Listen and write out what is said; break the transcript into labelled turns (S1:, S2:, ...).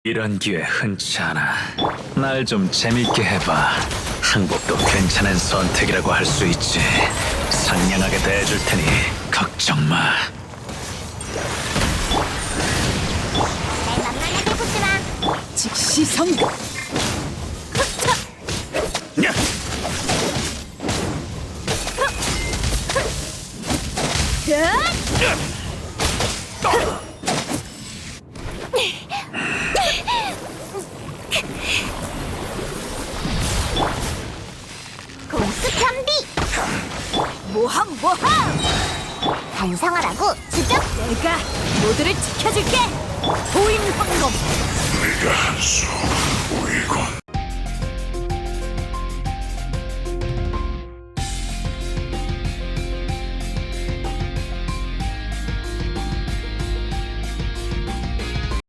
S1: 이런 기회 흔치 않아. 날 좀 재밌게 해봐. 항복도 괜찮은 선택이라고 할 수 있지. 상냥하게 대해줄 테니 걱정 마.
S2: 날 만만하게 보지 마.
S3: 즉시 성공.
S1: 야!
S2: 공수 편비.
S3: 모함 모함.
S2: 반성하라고 주적.
S3: 내가 모두를 지켜줄게. 보인 황금.
S4: 내가 한수 우리군.